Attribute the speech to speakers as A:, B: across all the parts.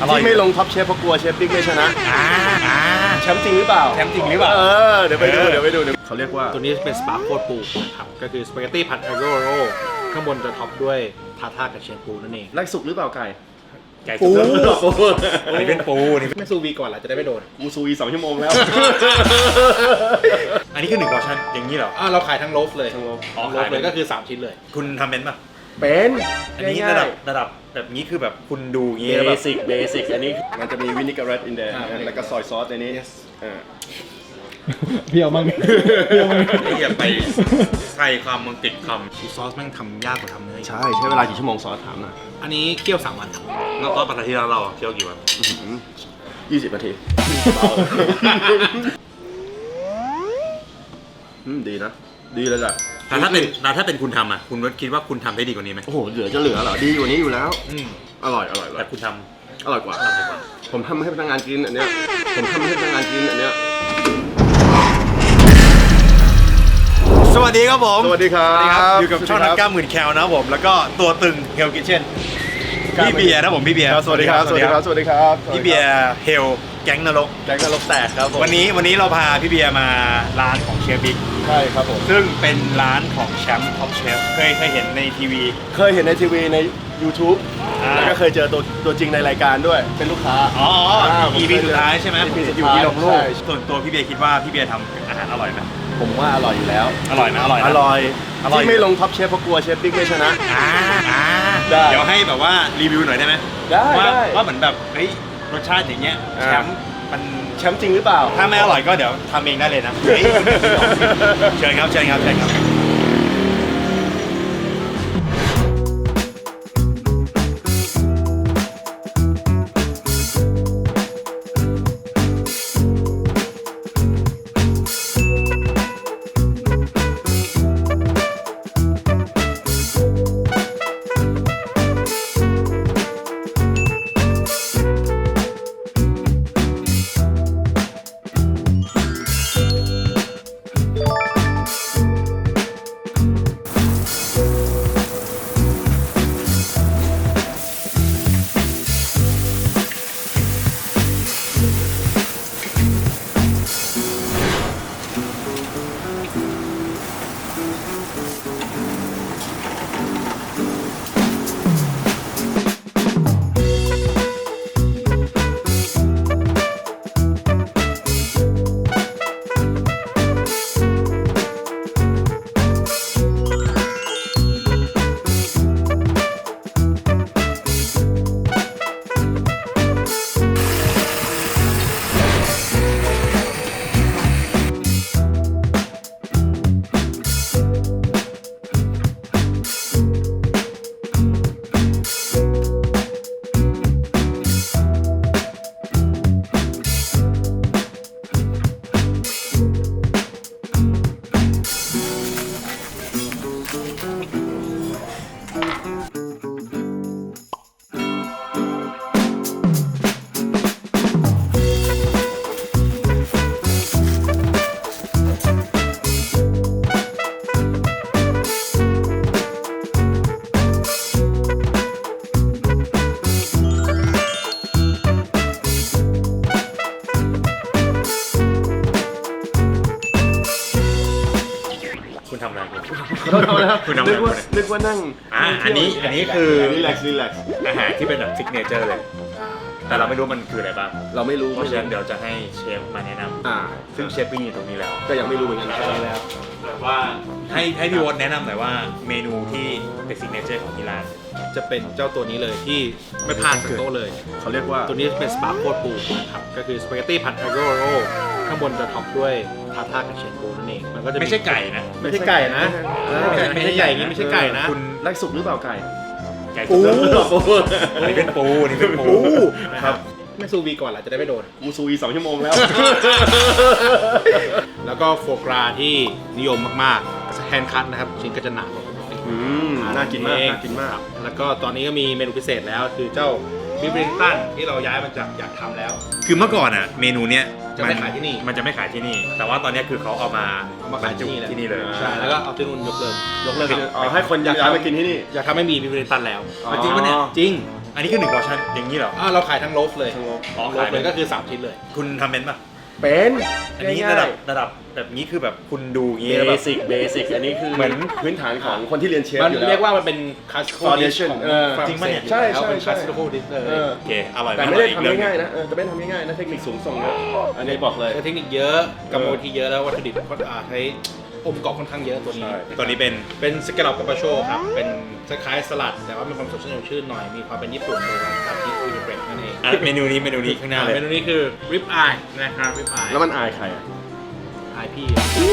A: ที่ไม่ลงท็อปเชฟเพราะกลัวเชฟบิ๊กไม่ชนะแชมป์จริงหรือเปล่าเดี๋ยวไปดูเขาเรียกว่า
B: ตัวนี้เป็นสปาโคตรปูนะครับก็คือสปาเกตตี้ผัดอาโกโรข้างบนจะท็อปด้วยทาท่ากับเชฟปูนั่นเอง
A: ไล่สุกหรือเปล่าไก่
B: ปู
C: อันนี้เป็นปูนี่
B: ไม่ซูวีก่อนล่ะจะได้ไม่โดน
A: กูซูอี2 ชั่วโมงแล้ว
C: อันนี้คือ1 พอร์ชั่นอย่างนี้เหรอ
B: เราขายทั้งโลฟเลย
A: ทั้งโลฟ
B: โลฟเลยก็คือ3ชิ้นเลย
C: คุณทำเป็นป่ะ
A: เป็น
C: อันนี้ระดับแบบนี้คือแบบคุณดูอย่างงี้
A: เบ
C: แล้วแบบ
A: สิกอันนี้มันจะมีวินิกเรตอินเดนแล้วก็ซอยซอสในนี้
D: เพียวมั้ง
C: ไอ้อย่าไปใส่คำมึงติดคำ
B: ซอสแม่งทำยากกว่าทำเนื้อ
A: ใช่เวลากี่ชั่วโมงซอสถามหน่อย
B: อันนี้เคี่ยว3 วันครับ
C: แล้วก็ปกติเราเคี่ยวกี่วัน
A: 20 นาทีดีนะดีเลยแหละ
C: แต่ถ้าเป็นคุณทำอ่ะคุณคิดว่าคุณทำได้ดีกว่านี้ไหม
A: โอ้โหเหลือเหรอดีกว่านี้อยู่แล้วอร่อย
C: แต่คุณท
A: อร่อยกว่าผมทำให้พนักงานกินอันเนี้ย
C: สวัสดีครับผม
A: สวัสดีครับ
C: อยู่กับช่องนักกล้ามหมื่นแคลนะครับผมแล้วก็ตัวตึงเฮลกิเช่นพี่เบียร์นะผมพี่เบียร์
A: สวัสดีครับ
C: พี่เบียร์เฮลแก๊งนรก
A: แกงนรกแตกครับผม
C: วันนี้เราพาพี่เบียร์มาร้านของเชฟบิ๊ก
A: ใช่ครับผม
C: ซึ่งเป็นร้านของแชมป์ท็อปเชฟเคยเห็นในทีวี
A: เคยเห็นในทีวีใน YouTube แล้วก็เคยเจอตัวจริงในรายการด้วยเป็นลูกค้า
C: EP สุดท้ายใช่ไหม
A: EP สุดท้าย
C: อยู่ที่ลงรูป
A: ใช่
C: ส่วนตัวพี่เบียร์คิดว่าพี่เบียร์ทำอาหารอร่อยไหม
A: ผมว่าอร่อยอยู่แล้ว
C: อร่อยนะ
A: อร่อยที่ไม่ลงท็อปเชฟเพราะกลัวเชฟบิ๊กไม่ชนะ ได้
C: เดี๋ยวให้แบบว่ารีวิวหน่อยได้ไหม
A: ได้
C: ว่าเหมือนแบบเฮ้ยรสชาติอย่างเงี้ยแชมป์มัน
A: แชมป์จริงหรือเปล่า
C: ถ้าไม่อร่อยก็เดี๋ยวทำเองได้เลยนะเชิญครับ คุณทำอะไรคุณทำอะไร
A: นึกว่านั่ง
C: อันนี้คือ
A: รีแลกซ์
C: อาหารที่เป็นแบบซิกเนเจอร์เลย แต่เราไม่รู้มันคืออะไรบ้าง
A: เราไม่รู้
C: เพราะฉะนั้นเดี๋ยวจะให้เชฟมาแนะนำซึ่งเชฟปิ้งอยู่ตรงนี้แล้ว
A: ก็ยังไม่รู้เหมือนกันแล้ว
C: แบบว่าให้พี่วอนแนะนำหน่อยว่าเมนูที่เป็นซิกเนเจอร์ของที่ร้าน
B: จะเป็นเจ้าตัวนี้เลยที่ไม่พลาดจากโต๊ะเลย
A: เขาเรียกว่า
B: ตัวนี้เป็นสปาโคตรปูนะครับก็คือสปาเกตตี้ผัดอาโกโรข้างบนจะท็อปด้วยทาท่ากับเชฟปูนั่นเองมันก็จะ
C: ไม่ใช่ไก่นะ
B: ไม่ใช่ไก่นะไม่ใช่ใหญ่อย่างนี้ไม่ใช่ไก่นะ
A: คุณไล่สุกหรือเปล่าไก่
C: ไก่
B: ปู
C: อันนี้เป็นปูนี่เป็นปู
B: นะครับไม่ซูวีก่อนล่ะจะได้ไม่โดน
A: กูซูอี2 ชั่วโมงแล้ว
B: แล้วก็โฟกราที่นิยมมากๆแฮนด์คัทนะครับชิ้นก็จะหนา
A: น่ากินมาก
B: แล้วก็ตอนนี้ก็มีเมนูพิเศษแล้วคือเจ้าบิฟเรนตันที่เราย้ายมาจากอยากทำแล้ว
C: คือเมื่อก่อนอ่ะเมนูเนี้ย
B: จะไม่ขายที่นี่
C: มันจะไม่ขายที่นี่ แต่ว่าตอนนี้คือเขาเอามา
B: ขายที่นี่เลย
C: ที่นี่เลย
B: ใช่แล้วก็เอาที่นู่นยกเลิก
A: ให้คนอยากทำมากินที่นี่
B: อยากทำไม่มีบิฟเรนตันแล้ว
A: อ๋อ
B: จริงปะเนี่ยจริง
C: อันนี้คือ1 portion อย่างนี้เหรอ
B: เราขายทั้งโลฟเลย
A: ทั้งโลฟ
C: อ๋อ
B: โลฟเลยก็คือ3ชิ้นเลย
C: คุณทำเป็นป่ะ
A: เป็น
C: อันนี้ระดับแบบนี้คือแบบคุณดูอย่าง
A: เบ
C: งี้แบบ
A: สิกอันนี้คือ
C: เหมือน
A: พื้นฐานของคนที่เรียนเชฟ
B: มัน
A: อยู่แล้ว
B: เรียกว่ามันเป็น classical dish
A: Foundation
B: ของ
A: จ
B: ฝ
C: ริงปะเนี่ย
A: ใช่
B: เป็น
A: ใช่
B: classical dish เลย
C: โอเคอร่อย
A: แต่ไม่ได้
C: อร่อ
A: ทำ
C: อีกเรื่อง
A: ง่ายๆนะแต่ไม่ได้ทำง่ายๆนะเทคนิคสูงส่งเยอะอันนี้บอกเลย
B: ใช้เทคนิคเยอะกรรมวิธีเยอะแล้ววัตถุดิบก็ใช้องค์ประกอบค่อนข้างเยอะตัวนี้
A: ใช่
C: ตัวนี้เป็น
B: เป็นสแกลลอปกับปาโชครับเป็นคล้ายๆสลัดแต่ว่ามีความสดชื่นหน่อยมีความเป็นญี่ปุ่นโดยการที่วินเบรกนั่นเอง
C: เมนูนี้ข้างหน้าเลย
B: เมนูนี้คือ rib eye นะครับ rib eye
A: แล้วมันอายใครอ่ะ
B: eye พี่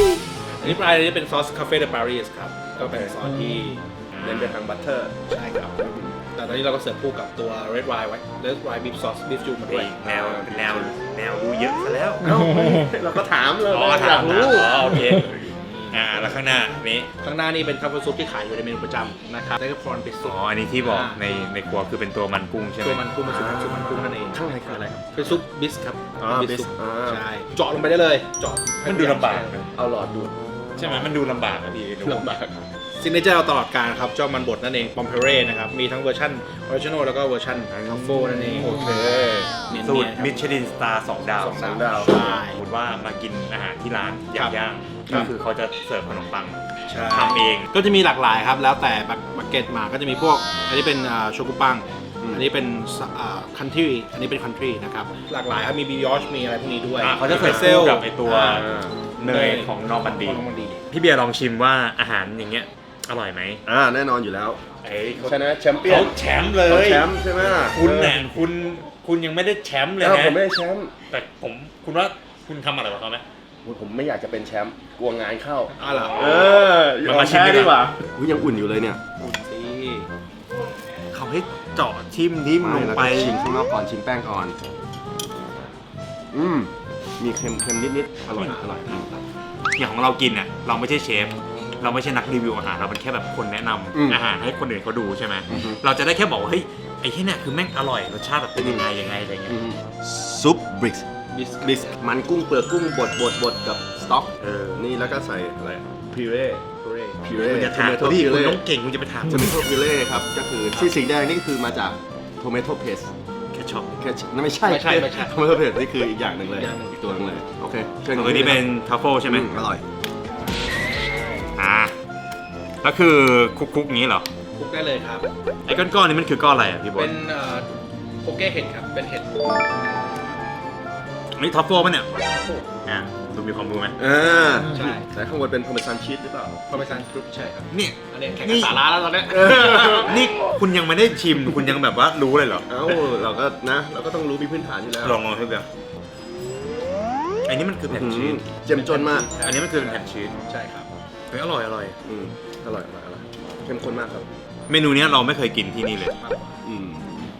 B: rib eye นี้เป็นซอสคาเฟ่เดปารีสครับก็เป็นซอสที่
A: เน้นไปทางบัตเตอร์
B: ใช่ครับแต่ตอนนี้เราก็เสิร์ฟคู่กับตัว red wine ไว้ red wine beef sauce beef stew มาด้วย
C: แนวดูเยอะซะแล้ว
A: เอ้าเราก็ถามเลย
C: อ๋อ
A: อยากรู้
C: โอเคแล้วข้างหน้านี้
B: ข้างหน้านี่เป็นทัฟเฟิลซุปที่ขายอยู่ในเมนูประจำนะครับแล้วก็พรอนปิซุป
C: อันนี้ที่บอกในครัวคือเป็นตัวมันกุ้งใช่ไหม
B: ตัวมันกุ้งเป็นซุปมันกุ้งนั่นเอง
A: ข้างในคืออะไรครับ
B: เป็นซุปบิสครับ
A: บิ
B: บิ
A: ส
B: ซุป
A: อ่า
B: ใช่เจาะลงไปได้เลยเจาะ
C: มันดูลำบากนะ
A: เอาหลอดดูด
C: ใช่ไหมมันดูลำบากนะพี่
A: ลำบาก
B: ซิกเนเจอร์เราตลอดการครับเจ้ามันบดนั่นเองปอมเพเร่นะครับมีทั้งเวอร์ชันออริจินอลแล้วก็เวอร์ชันทัฟเฟิลนั่นเอง
A: โอเค
C: สูตรมิชลินสตาร์2 ดาว
A: สองดาว
B: ใช่
C: สมมติว่ามากินอาหารที่ร้านย่าง
B: ครั
C: ก็
B: บ
C: คือเขาจะเสิร์ฟขนมปัง
B: ใช่
C: ทำเอง
B: ก็จะมีหลากหลายครับแล้วแต่บักเก็ตมาก็จะมีพวกอันนี้เป็นโชกุปังอันนี้เป็นคันทรีอันนี้เป็นคันทรีนะครับหลากหลายครับมีบิยอชมีอะไรพวกนี้ด้วย
C: เขาจะเสิร์ฟ
B: เซล
C: คู่กับไอตัว เนยของนอร์มันดี
B: ของนอร์มันดี
C: พี่เบียร์ลองชิมว่าอาหารอย่างเงี้ยอร่อยไหม
A: แน่นอนอยู่แล้ว
C: เอ้ย
A: ชนะแชมเปี้ยน
C: เขาแชมป์เล
A: เขา
C: ย
A: แชมป์ใช่ไหม
C: คุณเนี่ยคุณยังไม่ได้แชมป์เลย
A: แล้ว
C: นะ
A: ผมไม่ได้แชมป์
C: แต่คุณว่าคุณทำอะไรกับเขาไหม
A: ผมไม่อยากจะเป็นแชมป์กลัวงานเข้า
B: เหรอ
A: ยอมแพ้ดีกว่ายังอุ่นอยู่เลยเนี่ย
B: อุ่นสิ
C: เขาให้เจาะทิมลงไป
A: ชิมข้างนอกก่อนชิมแป้งก่อนมีเค็มนิดๆอร่อย
C: อย่างของเรากินเนี่ยเราไม่ใช่เชฟเราไม่ใช่นักรีวิวอาหารเราเป็นแค่แบบคนแนะนำอาหารให้คนอื่นเขาดูใช่ไหมเราจะได้แค่บอกว่าเฮ้ยไอ้ที่เนี่ยคือแม่งอร่อยรสชาติแบบเป็นยังไงอะไรเงี้ย
A: ซุปบริก
B: บิส
A: มันกุ้งเปลือกกุ้งบดกับสต๊อกนี่แล้วก็ใส่อะไรพิเร่
B: เร่
A: พิเร่
C: คุณจะถาม
A: โท
C: พี่
A: พิ
C: คุณ
A: เร่
C: ต้องเก่งคุณจะไปถาม
A: จะมีโทพิเร่ครับก็คือที่สีแดงนี่คือมาจากโทเมโตเพส
C: แค่ช็อป
A: แค่นั่นไม่ใช่โทเมโตเพสนี่คืออีกอย่างหนึ่งเลยอีกตัวนึงเลยโอเคเชิญ
C: ตัวนี้เป็นทัฟเฟิลใช่ไหม
A: อร่อย
C: แล้วคือคุกๆอย่างนี้เหรอ
B: คลุกได้เลยครับ
C: ไอ้ก้อนๆนี่มันคือก้อนอะไรอ่ะพี่บอ
B: เป็
C: ล
B: นโปเก้เห็ดครับเป็นเห็ด
C: นี่ทัฟเฟิลป่ะเนี่ยดูมีความรู้ไหม
B: ใช่
A: แต่ข้างบนเป็นพาร์เมซานชีสหรือเปล่า
B: พาเมซานครุปใช่ครับ
C: เนี่ย
B: อันนี้แข่งกับสาระแล้วตอนเนี้ย
C: นี่คุณยังไม่ได้ชิมคุณยังแบบว่ารู้เลยเหรอ
A: เราก็ต้องรู้มีพื้นฐานอยู่แล้ว
C: ลองพี่เบียร์อันนี้มันคือแผ่นชีส
A: เจ้มจนมาก
C: อันนี้มันคือแผ่นชีส
B: ใช่ครับ
C: เฮ้ยอร่อย
A: อร่อยเข้มข้นมากครับ
C: เมนูเนี้ยเราไม่เคยกินที่นี่เลย
B: มากกว่า
C: อืม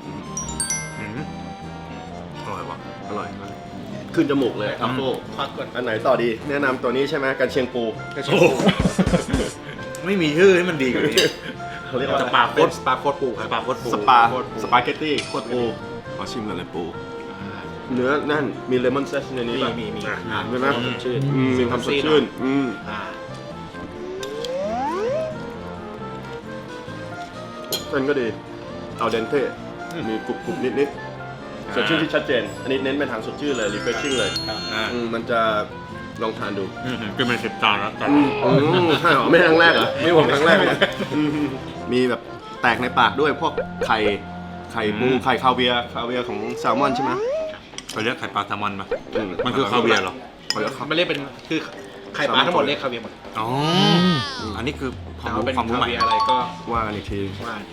C: อร่อยว่ะ
A: อร่อยมากขึ้นจมูกเลยทัฟเฟิล
B: พักก่อน
A: อันไหนต่อดี แนะนำตัวนี้ใช่ไหมกันเชียงปู
B: กระเทียมปู
C: ไม่มีชื่อให้มันดีกว่านี้
A: เขาเรียกว่า
C: สปาโค
B: เป็น
C: ต
B: สปาโคตรปูครับ
C: สปาโคตรปู
A: สปาเกตตี้โคตรปูขอชิมก่อนเลยปู เนื้อนั่นมีเลมอนเซสในนี้ป่ะ
B: มี
A: ใช่ไหม
B: สดชื่น
A: มีความสดชื่นเส้นก็ดีเอาเดนเต้มีกรุบๆนิดๆสดชื่นที่ชัดเจน อันนี้เน้นไปทางสดชื่นเลย refreshing เลย มันจะลองทานดู
C: กินมา10 จานแล้ว
A: ใช่หรอไม่ครั้งแรกเหรอไม่ผมครั้งแรกเลยมีแบบแตกในปากด้วยพวกไข่ปูไข่คาเวียร์ของแซลมอนใช่ไหม
C: เขาเรียกไข่ปลาแซลมอนป่ะมันคือคาเวียร์เหรอ
B: มันเรียกเป็นคือไข่ปลาทั้งหมดเรียกคาเวียร์หมด
C: อ๋ออันนี้คือควา
B: แต่
C: ม
B: ว่าเป็น
C: รู้
B: คา
C: ใหม่
B: เวียร์อะไรก็
A: ว่ากันอีกที
B: ว่าที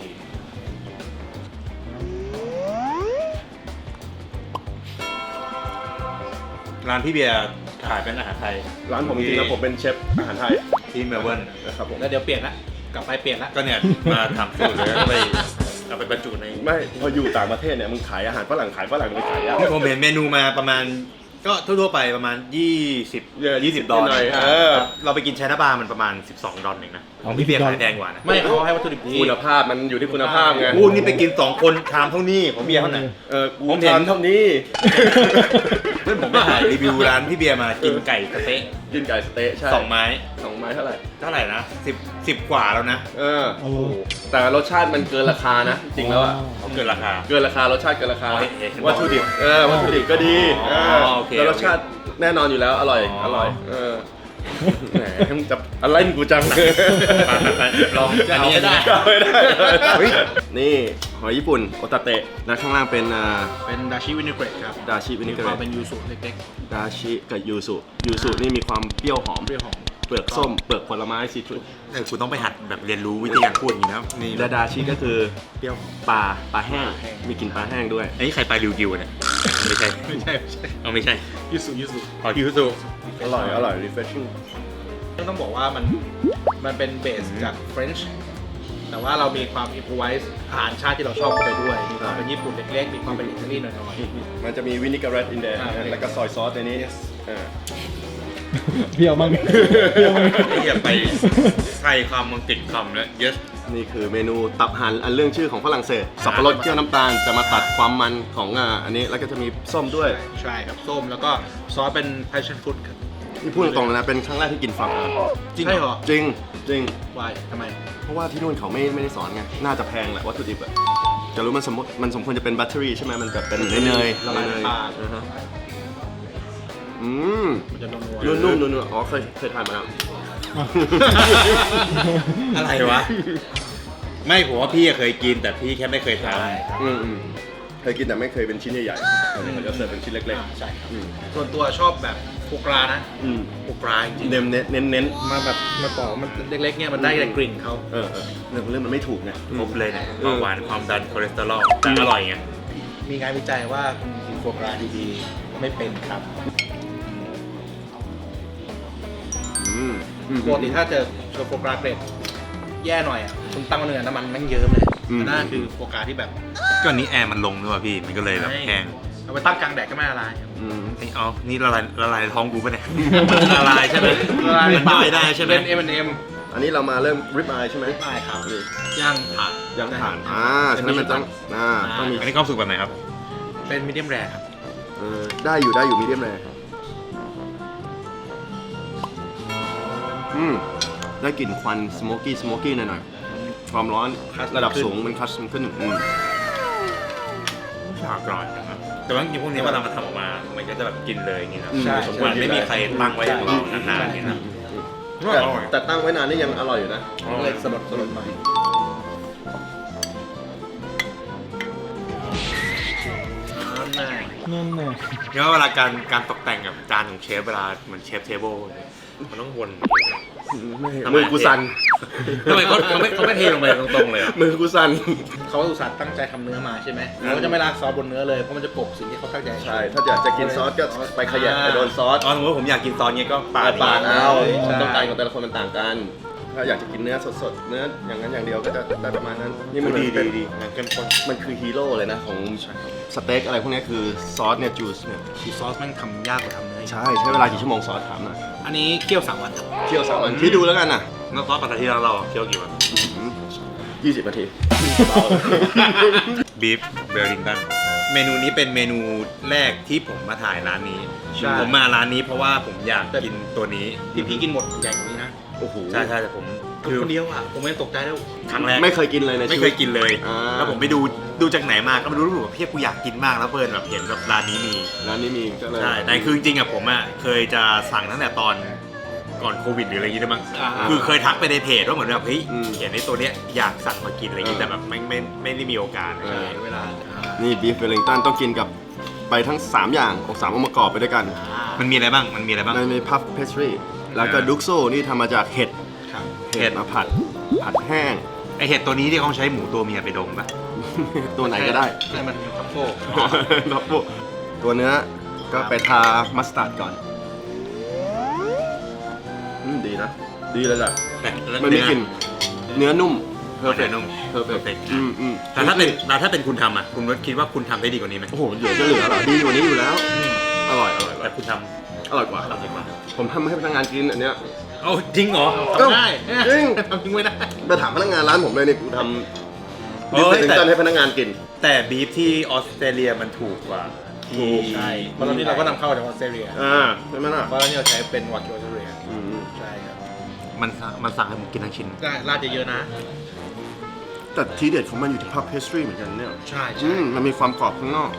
C: ร้านพี่เบียร์ขายเป็นอาหารไทย
A: ร้านผมจริงๆแล้วผมเป็นเชฟอาหารไทย
C: ที่เมลเบิร์น
A: นะครับผม
B: แล้วเดี๋ยวเปลี่ยนละกลับไปเปลี่ยนละ
C: ก็เนี่ยมาทำสูตรแล้วก็ไปเอาไปบรรจุใน
A: ไม่พออยู่ต่างประเทศเนี่ยมึงขายอาหารฝรั่งไปขายยาก
C: ผมเห็นเมนูมาประมาณ
B: ก็ทั่วๆไปประมาณ20 ดอล
A: หน่อย
C: เราไปกินไชน่าบาร์มันประมาณ12 ดอลเองนะของพี่เบียร์ขายแพงกว่านะ
B: ไม่เขาให้วัตถุดิบดี
A: คุณภาพมันอยู่ที่คุณภาพไง
B: อู้นี่ไปกิน2 คนชามเท่านี้ของเบียร์เท่าไหร่
A: กูทานเท่านี้
B: เพื่อนผมไปถ่ายรีวิวร้านพี่เบียร์มากินไก่สะเต๊ะ
A: กินไก่สเต๊ะใช่
B: 2 ไม้
A: 2 ไม้เท่าไหร่
B: เท่าไหร่นะ10 กว่าแล้วนะ
A: โอ้โหแต่รสชาติมันเกินราคานะ จริงแล้วอ่ะ
B: เขาเกินราคา
A: เกินราคารสชาติเกินราคา
B: เห็น
A: วัตถุดิบวัตถุดิบก็ดี
B: โอเค
A: แล้วรสชาติแน่นอนอยู่แล้วอร่อยแหมจะอะไรกูจัง
B: ลองอันนี้ได้
A: ไม่ได้นี่หอยญี่ปุ่นโอตาเตะนะข้างล่างเป็น
B: เป็นดาชิวินิเกรตครับ
A: ดาชิวินิ
B: มี
A: เก
B: ความ
A: เร
B: เป็นยูสุเล็ก
A: ดาชิกับยูสุนี่มีความเปรี้ยวหอม
B: ๆเปรี้ยวหอม
A: เปลือกส้มเปลือกผลไม้ซีทรุส
C: คุณต้องไปหัดแบบเรียนรู้วิธีการพูดอย่างนี้นะนี่
A: และดาชิก็คือเปรี้ยวปลาแห้งมีกลิ่นปลาแห้งด้วย
C: ไอ้ใครไปริวกิวเนี่ยไม่ใช่
B: ไม่ใช่
C: เอาไม่ใช่
B: ยูสุ
C: ขอคิวสุ
A: อร่อย refreshing
B: ต้องบอกว่ามันเป็นเบสจากเฟรนช์แต่ว่าเรามีความอิมพไวส์อาหารชาติที่เราชอบไปด้วยมีความเป็นญี่ปุ่นเล็กๆมีความเป็นอิตาลีหน่อย
A: มันจะมีวินิการ์เรตอินเด แล้วก็ซอยซอสในนี้
D: เบี้ยวมั้งเบี้ยวมั้ง
C: ไอ้อย่าไปใส่คำมันติดคำแล้ว yes
A: นี่คือเมนูตับห่านอันเรื่องชื่อของฝรั่งเศส สับปะรดเคี่ยวน้ำตาลจะมาตัดความมันของอันนี้แล้วก็จะมีส้มด้วย
B: ๆใช่ครับส้มแล้วก็ซอสเป็น passion fruit ครับ
A: นี่พูดตรงๆเลยนะเป็นครั้งแรกที่กินฟาร์ม
B: จริงเหรอ
A: จริง
B: วายทำไม
A: เพราะว่าที่นู่นเขาไม่ได้สอนไงน่าจะแพงแหละวัตถุดิบอะจะรู้มันสมควรจะเป็นบัตเตอรี่ใช่ไหมมันแบบเป็นเนย
B: ละลายในปาก มันจะนัว
A: นุ่มๆอ๋อเคยทานมาแล้ว
B: อะไรวะ ไม่ผมว่าพี่เคยกินแต่พี่แค่ไม่เคยทาน
A: เคยกินแต่ไม่เคยเป็นชิ้นใหญ่ๆเขาจะเสิร์ฟเป็นชิ้นเล็ก
B: ใช่ครับส่วนตัวชอบแบบโฟกรานะ
A: ๆ
B: โฟกราจริง
A: เน้น
B: ๆมาแบบมาปอกมันเล็กๆเนี่ยมันได้แต่กลิ่นเขา
A: เรื่องมันไม่ถูกไง
C: ครบเลยเนี่ยเบาหวานความดันคอเลสเตอรอลแต่อร่อยไง
B: มีงานวิจัยว่าคุณกินโฟกราดีๆไม่เป็นครับปกติถ้าเจอโฟกราเกรดแย่หน่อยอ่ะคุณตั้งเนื้อน้ำมันแม่งเยิ้มเลยแต่น่าคือโฟกราที่แบบ
C: ก็นี้แอร์มันลงด้วยว่ะพี่มันก็เลยแบบแห้ง
B: เอาไปตั้งกลางแดดก็ไม่ละลาย
C: ไอ้เอานี่ละลายท้องกูปะเนี่ยละลายใช่ไหม
B: ละลาย
C: มันย่อยได้ใช่ไหม
B: เป็น M&M
A: อันนี้เรามาเริ่มริบอายใช่ไหม
B: ได้ครับ
A: นี่
B: ย่างถ่าน
A: ยังผ่านฉะนั้นมันต้องมี
C: อันนี้ความสุขแบบไหนครับ
B: เป็นมีเดียมแรร์ครับ
A: ได้อยู่มีเดียมแรได้กลิ่นควันสโมกี้หน่อยๆความร้อนระดับสูงมันคัสมันขึ้น
C: ฉากกร่อยนะครับแต่ว่าจริงๆพวกนี้เวลามันทำออกมา มันก็จะแบบกินเลยอย่างนี้นะ
B: ใช่
C: มันไม่มีใครตั้งไว้อย่างเรานานๆอย่างนี้นะ
A: แต่ตั้งไว้นานนี่ยังอร่อยอยู่นะ
B: เลยสลดหน่อยนั่นแหละ
D: นั่นน่ะ
C: เพราะเวลาการตกแต่งกับจานของเชฟเวลาเหมือนเชฟเทเบิลมันต้องวน
A: มือกูสั่น
C: ทำไมเขาไม่เทลงไปตรงๆเลยอ่ะ
A: มือกูสั่น
B: เขาอุตส่าห์ตั้งใจทำเนื้อมาใช่ไหมเขาก็จะไม่ราดซอสบนเนื้อเลยเพราะมันจะกลบสิ่งที่เขาตั้งใจ
A: ใช่ ถ้าอยากจะกินซอสก็ไปขยับไปโดนซอส
C: อ๋อสมมติผมอยากกินซอสเงี้ยก็ปาด
A: ปาดเอา
B: ใช่
A: ต้องการของแต่ละคนมันต่างกัน ถ้าอยากจะกินเนื้อสดๆ เนื้ออย่างนั้นอย่างเดียวก็จะได้ประมาณนั้น นี่มัน
C: ดี
A: เป็น
C: มันเข้มข้น
A: มันคือฮีโร่เลยนะของสเต็กอะไรพวกนี้คือซอสเนี่ยจูสเนี่ย
B: ชีสซอสแม่งทำยากกว่าทำเนื้ออีก
A: ใช่เวลากี่ชั่วโมงซอสถามหน่อย
B: อันนี้เคี่ยว3 วันครับ
A: เคี่ยว3 วันที่ดูแล้วกันนะ
C: แล้วซอสปลาที่เราเคี่ยวกี่วัน
A: 20 นาที
C: บีฟเบลลิงตันเมนูนี้เป็นเมนูแรกที่ผมมาถ่ายร้านนี้
B: ใช่
C: ผมมาร้านนี้เพราะว่าผมอยากกินตัวนี้
B: ที่พี่กินหมดใหญ่กว่านี้นะ
A: โอ้โห
C: ใช่แต่ผม
B: คนเดียวอ่ะผมไม่ตกใจแล้ว
C: ครั้งแรก
A: ไม่เคยกินเลยใน
C: ไม่
A: ชี
C: เค
A: วิต
C: ยกินเลย
A: อ่า
C: แล้วผมไปดูจากไหนมาก็ไม่รู้ว่าพี่กูอยากกินมากแล้วเพื่อนแบบเห็นแบบร้านนี้มี
A: ร้านนี้มีก็เลย
C: ใช่แต่คือจริงๆอะผมอะเคยจะสั่งตั้งแต่ตอนก่อนโควิดหรืออะไรอย่างงี้ด้วยมั้งคือเคยทักไปในเพจว่าเหมือนแบบเฮ้ยเห็นในตัวเนี้ยอยากสั่งมากินอะไรอย่างงี้แต่แบบไม่ได้มีโอกาส
B: เวลา
A: นี่บีฟเวลลิงตันต้องกินกับไปทั้ง 3 อย่าง3องค์ประกอบไปด้วยกัน
C: มันมีอะไรบ้างมันมีอะไรบ้าง
A: ในพัฟเพสทรีแล้วก็ดุกโซนี่ทำมาจากเห็ด
B: ครับ
C: เห็ด
A: มาผัดแห้ง
C: ไอเห็ดตัวนี้ที่เขาใช้หมูตัวเมียไปดมปะ
A: ตัวไหนก็ได้
B: ใช่มันทัฟโฟ
A: ครับพวกตัวเนื้อก็ไปทามัสตาร์ดก่อนดีนะ ดีเลยแหละ
C: แต่
A: มันไม่กลิ่นเนื้อนุ่ม
C: เพอร์เฟกต์นุ่ม
A: perfect
C: แต่ถ้าเป็นคุณทำอะคุณคิดว่าคุณทำได้ดีกว่านี้ไหม
A: โอ้โหเดี๋ยวจะเหลือเหรอดีกว่านี้อยู่แล้วอร่อย
C: แต่คุณท
A: อร่อยกว่า
C: ำอร่อยกว่า
A: ผมทำให้พนักงานกินอันเนี้ย
C: เอ้าจริงเหรอ
A: เอ้า
B: ทำได้
A: จริง
B: ทำจริงไม่ได้
A: ไปถามพนักงานร้านผมเลยนี่กูทำ
C: เฮ้
A: บิฟ
C: ย
A: เฟลิงตันให้พนักงานกิน
C: แต่บีฟที่ออสเตรเลียมันถูกกว่าที่
B: ใช่เพราะตอนนี้เราก็นำเข้าจากออสเตรเลีย
A: ใช่ไหมล่ะ
B: เพราะตอนนี้เราใช้เป็นวากิวออสเตรเลีย
A: อืม
B: ใช่ครับ
C: มันสั่งให้ผมกินทั้งชิ้น
B: ได้ราดเยอะๆนะ
A: แต่ทีเด็ดของมันอยู่ที่ภาพเพสตรีเหมือนกันเนี่ย
B: ใช่
A: มันมีความกรอบข้างนอก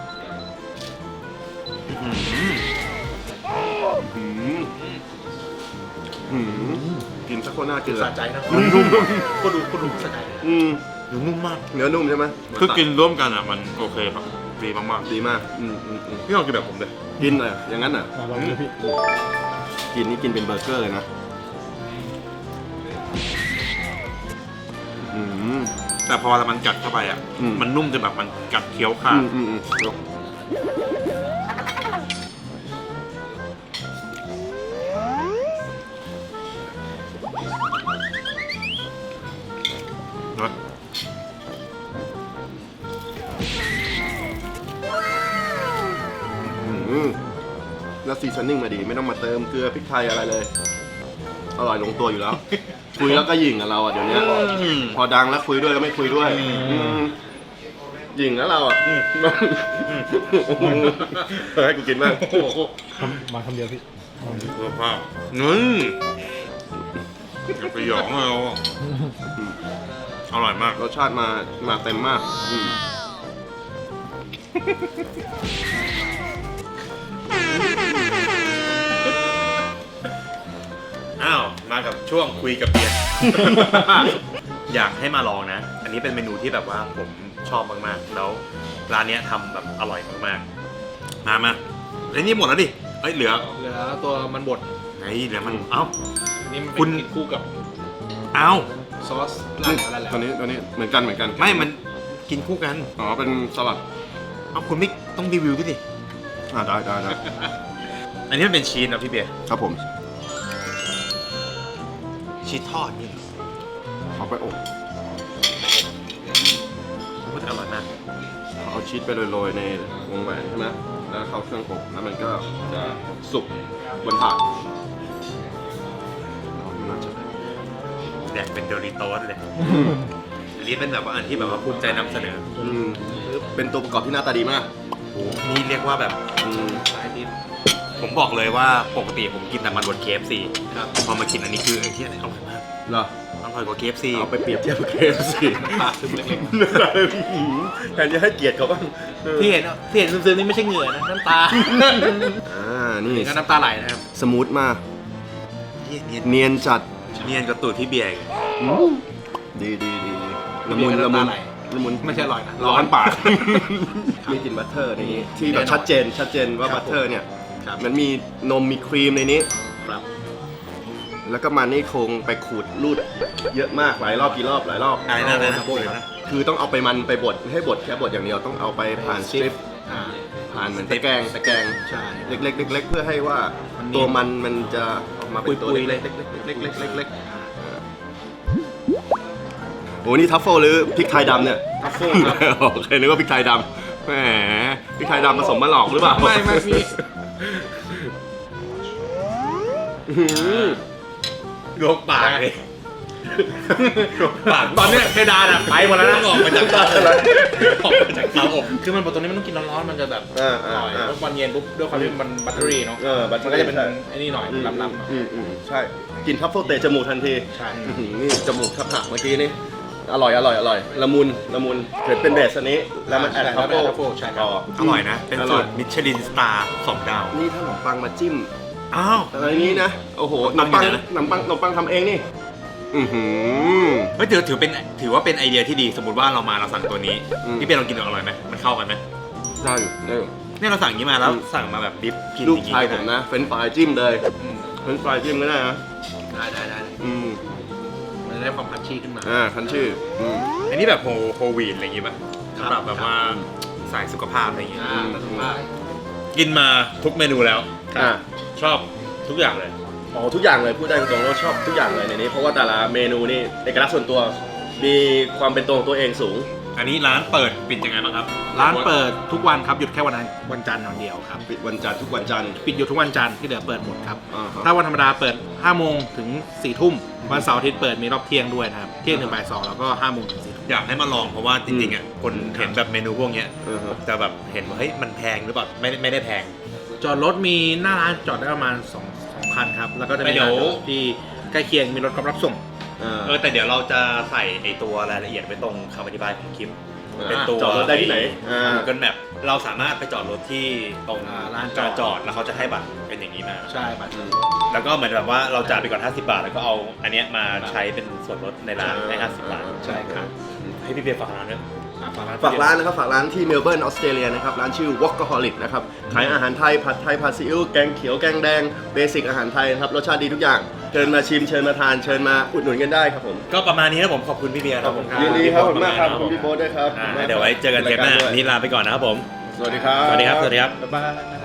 A: กินสักคนน่ากิน
B: สะใจนะ
A: มันนุ่ม
B: ก็ดูสะใจ
C: หนูนุ่มมาก
A: เนื้อนุ่มใช่ไหม
C: คือกินร่วมกันอ่ะมันโอเคครับดีมาก
A: ดีมาก
C: ๆพี่ลองกินแบบผมเลย
A: กินเลยอย่างนั้นอ่ะ
D: ลองดูพี่
A: กินนี่กินเป็นเบอร์เกอร์เลยนะอืม
C: แต่พอมันกัดเข้าไปอ่ะ
A: อืม
C: มันนุ่มจนแบบมันกัดเคี้ยวขาด นะ
A: แล้วซีซันนิ่งมาดีไม่ต้องมาเติมเกลือพริกไทยอะไรเลย อร่อยลงตัวอยู่แล้ว คุยแล้วก็หยิ่งกับเราอ่ะเดี๋ยวนี้พอดังแล้วคุยด้วยแล้วไม่คุยด้วยหยิ่งแล้วเราอ่ะให้กูกินบ้าง
D: มาคำเดียวพี่
C: เพื่อภาพนึ่งอย่าไปหยองเอาอร่อยมาก
A: รสชาติมาเต็มมาก
C: อ้าว มากับช่วงคุยกับเบียร์ อยากให้มาลองนะ อันนี้เป็นเมนูที่แบบว่าผมชอบมากๆ แล้วร้านเนี้ยทำแบบอร่อยมากๆ มาไอ้นี่หมดแล้วดิเอ้ยเหลือ
B: ตัวมันบด
C: ไงเหลือมัน เอ้า
B: นี่มัน
C: คุ
B: เป็น
C: ณ
B: กินคู่กับ
C: เอ้า
B: ซอสราดแล้ว
A: ตอนนี้เหมือนกัน
C: ไม่ มันกินคู่กัน
A: อ๋อเป็นสลัด
C: เอ้าคุณไม่ต้องรีวิวด้วยดิ
A: ได้
C: อันนี้มันเป็นชีสนะพี่เบียร์
A: ครับผม
C: ชีสทอดนี่เหรอ
A: เอาไปอบ
C: มันอร่อยมาก
A: เอาชีสไปโรยๆในวงแหวนใช่ไหมแล้วเข้าเครื่องอบแล้วมันก็จะสุกบนถาดน่าจะได้
C: แดกเป็นโดริโต้เลย อันนี้เป็นแบบว่าอันที่แบบว่าภูมิใจนำเสนอ
A: เป็นตัวประกอบที่หน้าตาดีมาก
C: นี่เรียกว่าแบบ
B: สายดิบ
C: ผมบอกเลยว่าปกติผมกินแต่มันบด KFC
B: ครับ
C: พอมากินอันนี้คือไอ้ที่อร่อยมาก
A: เหรอ
C: อร่อยกว่า KFC
A: เอาไปเปรียบเทียบกับเคฟซี
B: ปากซึมเล็ก
A: แทนจะให้เกียรติเขาบ้าง
B: ๆที่เห็นซึมๆนี่ไม่ใช่เหงื่อนะน้ำตา
A: นี่
B: นี่ก็น้ำตาไหลนะครับ
A: สมูทมาก
C: เนียน
A: เนียนจัด
C: เนียนกับตูดพี่เบียร์อีก
A: ดีละมุน
B: น้ำตาไหล
A: ละมุน
B: ไม่ใช่อร่อยนะ
A: ร้อนปาก มีกลิ่นบัตเตอร์ในนี้ที่แบบชัดเจนว่า
B: ครับ
A: บัตเตอร์เนี่ย
B: ครับ
A: มันมีนมมีครีมในนี้
B: ครับ
A: แล้วก็มันนี่คงไปขูดรูดเยอะมากหลายรอบหลายรอบ
C: อะไรนะอะไรนะพูดเลยนะ
A: คือต้องเอาไปมันไปบดให้บดแค่บดอย่างเดียวต้องเอาไปผ่านสตริป
B: อ่า
A: ผ่านเหมือนตะแกรง
B: ใช่
A: เล็กๆเพื่อให้ว่า
B: มันมี
A: ตัวมันจะออกมาเป็นตัว
B: ปุยๆ
A: เล็กๆเล็กๆโอ้นี่ทัฟเฟิลหรือพริกไทยดำเนี่ย
B: ทัฟเฟิลครับ
A: โอเคนึกว่าพริกไทยดำแหมพริกไทยดำผสมมาหลอกหรือเปล่า
B: ไม่มี
C: ลวกปากเลยลวกปาก
B: ตอนเนี้ยเพดานอะไปหมดแล้วนะ
C: ออกมาจากเตาออกมาจากเตาอบ
B: คือมันบดตัวนี้มันต้องกินร้อนๆมันจะแบบ
A: อ่า
B: อร่อยแล้ววันเย็นปุ๊บด้วยความที่มันบัตเตอรี่เนาะ
A: บัตเตอ
B: มัน
A: รี่
B: ก็จะเป็นไอ้นี่หน่อยลำๆหน่อย
A: ใช่กินทัฟเฟิลเตะจมูกทันที
B: ใช่
A: นี่จมูกทับหักเมื่อกี้นี่อร่อยละมุนเผ็ดเป็นเบสอันนี้แล้วมันแอดทัฟเฟิล
B: ใช่ครับ
C: อร่อยนะ เป็นสูตรมิชลินสตาร์2 ดาว
A: นี่ถ้าขนมปังมาจิ้ม
C: อ้าว
A: อะไรนี้นะโอ้โหข
C: ข
A: น
C: น
A: ม
C: มปั
A: ปัง
C: งอยู่ไหนนะ
A: ขนมปังทำเองนี่หือ
C: เฮ้ยถือว่าเป็นไอเดียที่ดี สมมติว่าเรามาเราสั่งตัวนี้ พี่เบียร์ลองกินดูอร่อยไหมมันเข้ากันไหม
A: ได้อยู่
C: เนี่ยเราสั่งอย่างนี้มาแล้วสั่งมาแบบดิฟกิน
A: ลูก
C: อย่างนี้
A: ชายผมนะเฟรนช์ฟรายจิ้มเลย
B: อืม
A: เฟรนช์ฟรายจิ้มก็ได้นะ
B: ได้
A: อืม
B: มันจะได้ความพัชชี่ขึ้นมา
A: คันชื่อ
C: อันนี้แบบโฮวีดอะไรอย่างงี้ป่ะ
B: ครับ
C: สำหรับแบบว่าสายสุขภาพอะไรอย่างงี้
B: แต่ถือว่า
C: กินมาทุกเมนูแล้ว
A: อ่า
C: ชอบทุกอย่างเลย
A: อ๋อทุกอย่างเลยพูดได้ตรงๆว่าชอบทุกอย่างเลยในนี้เพราะว่าแต่ละเมนูนี่เอกลักษณ์ส่วนตัวมีความเป็นตัวของตัวเองสูง
C: อันนี้ร้านเปิดปิดยังไงบ้างครับ
B: ร้านเปิดทุกวันครับหยุดแค่วันจันทร์วันเดียวครับ
A: ปิดวันจันทร์ทุกวันจันทร์
B: ปิดอยู่ทุกวันจันทร์ที่เหลือเปิดหมดครับ
A: ครับ
B: ถ้าวันธรรมดาเปิด5โมงถึง4ทุ่มวันเสาร์อาทิตย์เปิดมีรอบเที่ยงด้วยนะครับเที่ยงถึงบ่าย2แล้วก็5โมงถึง4ทุ่ม
C: อยากให้มาลองเพราะว่าจริงๆอ่ะคนเห็นแบบเมนูพวกเนี้ย
A: ครับ
C: จะแบบเห็นว่าเฮ้ยมันแพงหรือเปล่าไม่ได้แพง
B: จอดรถมีหน้าร้านจอดได้ประมาณ2คันครับแล้วก็จะมี
C: เดี๋ยว
B: ร้านจอดที่ใกล้เคียงมีรถรับส่ง
C: แต่เดี๋ยวเราจะใส่ไอตัวรายละเอียดไว้ตรงคำอธิบายของคลิป เป็นตัว
A: จอดรถได้ที่ไหน
C: Google Map เราสามารถไปจอดรถที่ตรง
B: ร้าน
C: จ
B: จ
C: อ
B: อ
C: ด
B: ด
C: แล้วเขาจะให้บัตรเป็นอย่างนี้มา
B: ใช่บัตร
C: แล้วก็เหมือนแบบว่าเราจ่ายไปก่อน50 บาท แล้วก็เอาอันเนี้ยมาใช้เป็นส่วนลดในร้านให้50 บาท
B: ใช่ครับ
C: ให้พี่เบียร์ฝากร้านด้วย
A: ฝากร้านนะครับฝากร้านที่เมลเบิร์นออสเตรเลียนะครับร้านชื่อ Walkaholic นะครับขายอาหารไทยผัดไทยผัดซีอิ๊วแกงเขียวแกงแดงเบสิกอาหารไทยนะครับรสชาติดีทุกอย่างเชิญมาชิมเชิญมาทานเชิญมาอุดหนุนกันได้ครับผม
C: ก็ประมาณนี้นะผมขอบคุณพี่เบียร์ครับผม
A: ยินดีครับขอบคุณมากครับขอบคุณพี่โบ๊ทด้วยครับ
C: เดี๋ยวไว้เจอกันเทปหน้า
A: ด้วย
C: นี่ลาไปก่อนนะครับผม
A: สวัสดีครับ
C: สวัสดีครับ
B: บ๊ายบาย